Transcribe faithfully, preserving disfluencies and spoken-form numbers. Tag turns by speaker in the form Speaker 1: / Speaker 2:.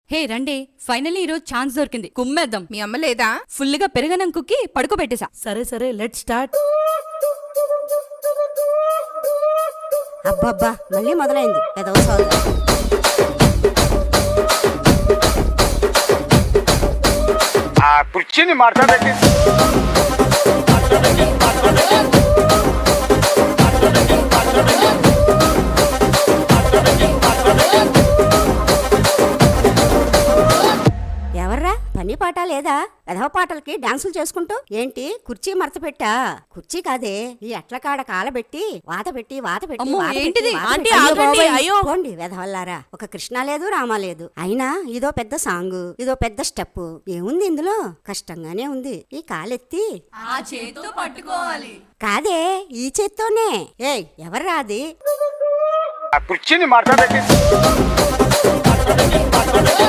Speaker 1: హే రండి, ఫైనల్లీ ఈరోజు ఛాన్స్ దొరికింది. కుమ్మేద్దాం.
Speaker 2: మీ అమ్మ లేదా?
Speaker 1: ఫుల్గా పెరగనం కుక్కి పడుకోబెట్టేశా.
Speaker 3: సరే సరే లెట్ స్టార్ట్.
Speaker 4: అబ్బబ్బా మళ్ళీ మొదలైంది ఏదో సోద.
Speaker 5: ఆ కుర్చీని మాట్లాడండి.
Speaker 4: ఎవర్రా పని పాట లేదా? ఎదవ పాటలకి డాన్సులు చేసుకుంటూ ఏంటి కుర్చీ మరత పెట్టా? కుర్చీ కాదే, ఈ ఎట్ల కాడ కాలబెట్టి వాత పెట్టి వాత పెట్టి
Speaker 1: అమ్మో,
Speaker 4: వాత పెట్టి,
Speaker 1: ఏంటిది?
Speaker 4: వాత
Speaker 1: ఆంటీ,
Speaker 4: పెట్టి.
Speaker 1: ఆగండి,
Speaker 4: అయ్యో
Speaker 1: అయ్యో.
Speaker 4: పోండి వెధవల్లారా. ఒక కృష్ణ లేదు రామ లేదు. అయినా ఇదో పెద్ద సాంగ్, ఇదో పెద్ద స్టెప్. ఏముంది ఇందులో? కష్టంగానే ఉంది. ఈ కాలెత్తి
Speaker 1: ఆ చేత్తో పట్టుకోవాలి.
Speaker 4: కాదే, ఈ చేత్తోనే. ఏయ్ ఎవర్రా అది?
Speaker 5: ఆ కుర్చీని మాట్లాడండి.